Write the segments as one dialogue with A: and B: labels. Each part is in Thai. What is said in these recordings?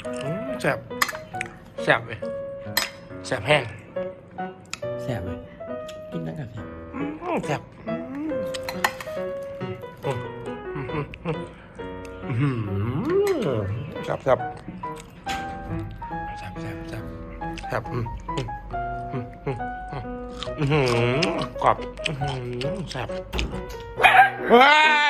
A: แซ่บแซ่บเลยแซ่บแห้ง
B: แซ่บเลยกินได้กับแซ่บ
A: แซ่บแซ่บแซ่บแซ่บแซ่บแซ่บกรอบแซ่บเฮ้ย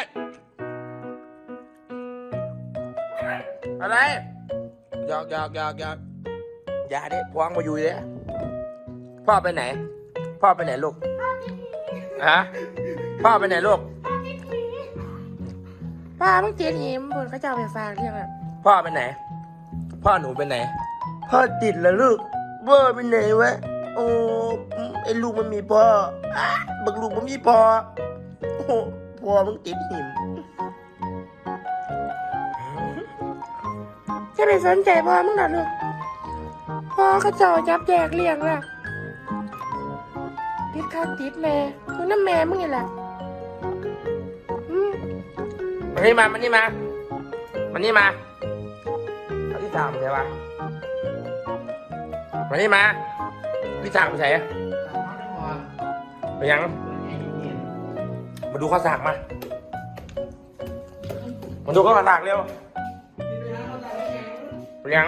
A: อะไรหยอกอย่าดิพวงมาอยู่เลยพ่อไปไหนพ่อไปไหนลูกฮะพ่อไปไหนลูกป้ามึงเตียนหิมบนเขาเจ้าไปฟังเรื่องอะพ่อไปไหนพ่อหนูไปไหนพ่อติดแล้วลูกพ่อไปไหนวะโอ้ไอ้ลูกมันมีพ่อบักลูกมันมีพ่อโอ้พ่อมึงติดหิมจะไปสนใจพ่อมึงหรอลูกพ่อเขาเจ้าจับแยกเลี้ยงล่ะติดข้าวติดแม่คือน้ำแม่มึงไงล่ะมันนี่มาเขาที่ถามใช่ปะมันนี่มาที่ถามใช่ไปยังมาดูข้าวสากมาดูข้าวสากเร็วไปยัง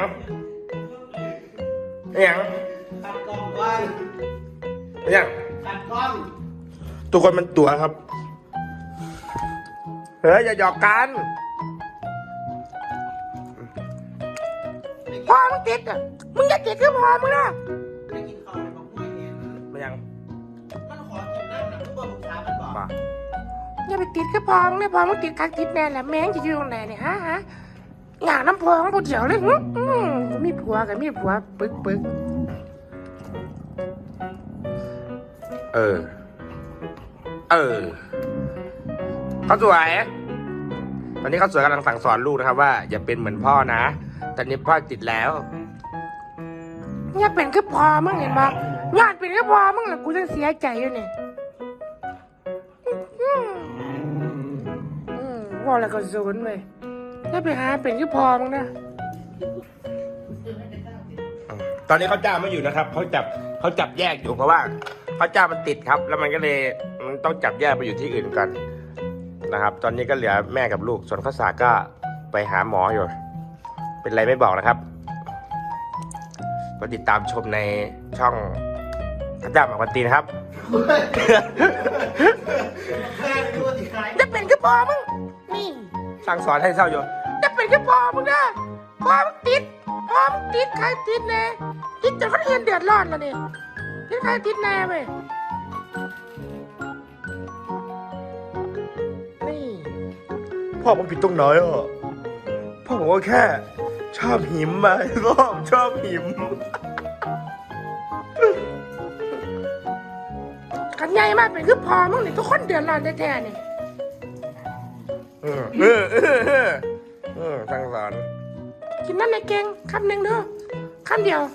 C: ตัดกล้องก่อน
A: ไปยัง
C: ตัดกล้อง
A: ทุกคนมันตัวครับเฮ้ยอย่าหยอกกันพ่อมึงติดอ่ะมึงอย่าติดคือพ่อมึงนะ
C: ไม่กินข้าวในบอกไม่เห็น
A: ไม่ยัง
C: มันขอกินน้ำหนักทุกคนลูกค้ามันบอก
A: มา
D: อย่าไปติดคือพ่อมึงเลยพ่อมึงติดคักติดแน่แหละแม่งจะอยู่ตรงไหนเนี่ยฮะงานน้ำพองกูเดี๋ยวเลยมีผัวกับมีผัวปึก
A: เขาสวยตอนนี้เขาสวยกำลังสั่งสอนลูกนะครับว่าอย่าเป็นเหมือนพ่อนะตอนนี้พ่อติดแล้ว
D: อย่าเป็นคือพ่อมึงเห็นปะงานเป็นคือพ่อมึงแหละกูจะเสียใจอยู่เนี่ยว่าอะไรก็ศูนย์เลยถ้าไปหาเป็นคือพ่อมึงนะ
A: ตอนนี้เขาจ้าไม่อยู่นะครับเขาจับแยกอยู่เพราะว่าเขาจ้ามันติดครับ แล้วมันก็เลยต้องจับแยกไปอยู่ที่อื่นกันนะครับ ตอนนี้ก็เหลือแม่กับลูกส่วนข้าวสากก็ไปหาหมออยู่เป็นไรไม่บอกนะครับก็ติดตามชมในช่องข้าวจ้าหมากวันตีนะครับ
C: แม่ไม่รู้ว่าติดใคร
D: จะเป็นคือพ่อมึงนี่
A: สั่งสอนให้เศร้าอยู่
D: จะเป็นคือพ่อมึงนะพ่อมึงติดใครติดแน่ติดจนคนอื่นเดือดร้อนแล้วเนี่ยติดใครติดแน่เว้ยนี่
A: พ่อผมผิดตรงไหนอ่ะพ่อผมก็แค่ชอบหิมมาพ่อผมชอบหิม
D: กันใหญ่มากเป็นคือพ่อมึงเนี่ยทุกคนเดือดร้อนแท้ๆเนี่ย
A: สั่งสอน
D: กินน้ำในเก่งคำหนึ่งเด้อคำเดียว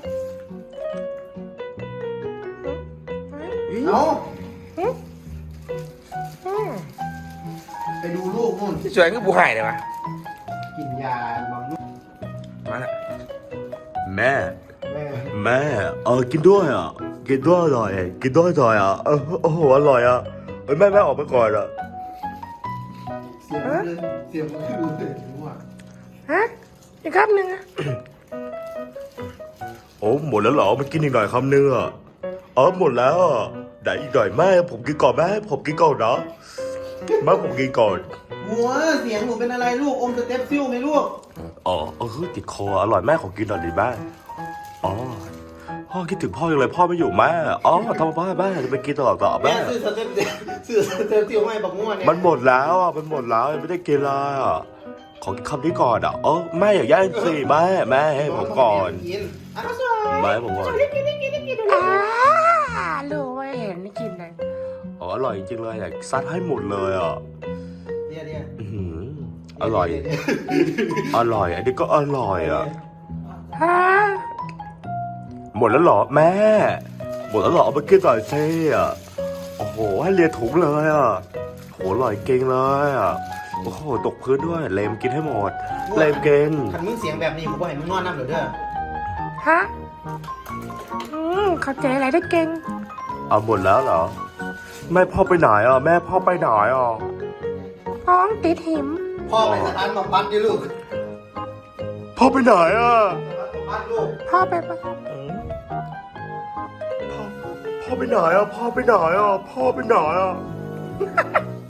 C: เอา
D: อืม
C: ไปดูลูกนู่น
A: ที่สวยคือบูไห่เลยวะ
C: กินยาบอกลูก
A: มาละ
B: แม่
C: แม่
B: แม่กินด้วยอ่ะกินด้วยอร่อยกินด้วยอร่อยอ่ะโอ้โหอร่อยอ่ะแม่ออกไปก่อนอ่ะ
C: เสียงมันดูเลยถึงว่า
D: ฮะอีกคำหนึ่งอะ
B: โอ้หมดแล้วเหรอมันกินอีกหน่อยคำนึงอ่ะหมดแล้วอ่ะได้อีกหน่อยแม่ผมกินก่อนแม่ผมกินก่อนนะแม่ผมกินก่อน
C: หัวเสียงหนูเป็นอะไรลูกอมสเต็ปซิ่วไหมลูก
B: ติดคออร่อยแม่ขอกินหน่อยดิแม่พ่อคิดถึงพ่อยังเลยพ่อไม่อยู่แม่ทำไมแม่จะไปกินตลอด
C: แม่
B: แม่
C: ซื้อสเต็ปซิ่วให้บอกง่วงเนี่ย
B: มันหมดแล้วอ่ะมันหมดแล้วไม่ได้กินเลยอ่ะขอกินคำนี้ก่อนอ่ะแม่อย่าแย่งสิแม่ให้ผมก่อน
C: กินอ้าวสวย
B: แม่ให้ผมก่อน
D: รู้ว่าเห็นกินเลย
B: อร่อยจริงเลยอยากซัดให้หมดเลยอ่ะ
C: เดี๋ยว
B: อร่อยอันนี้ก็อร่อยอ่ะ
D: ฮะ
B: หมดแล้วเหรอแม่หมดแล้วเหรอเอาไปกินต่อยเซ่อ่ะโอ้โหให้เลียถุงเลยอ่ะโหอร่อยเก่งเลยอ่ะโอ้โหตกพื้นด้วยเลมกินให้หมดเลมเก่ง
C: ขันมึงเสียงแบบนี้กูบ่ให้มึงนอนน้ำเดี๋ยวเด้อ
D: ฮะเข้าใจอะไรได้เก่ง
B: เอาหมดแล้วเหรอแม่พ่อไปไหนอ่ะแม่พ่อไปไหนอ่ะ
D: ท้องติดหิม
C: พ่อไปสถานบำบัดดิลูก
B: พ่อไปไหนอ่ะ
C: สถานบำบัดลูก
D: พ่อไปปะ
B: พ่อไปไหนอ่ะพ่อไปไหนอ่ะพ่อไปไหนอ่ะ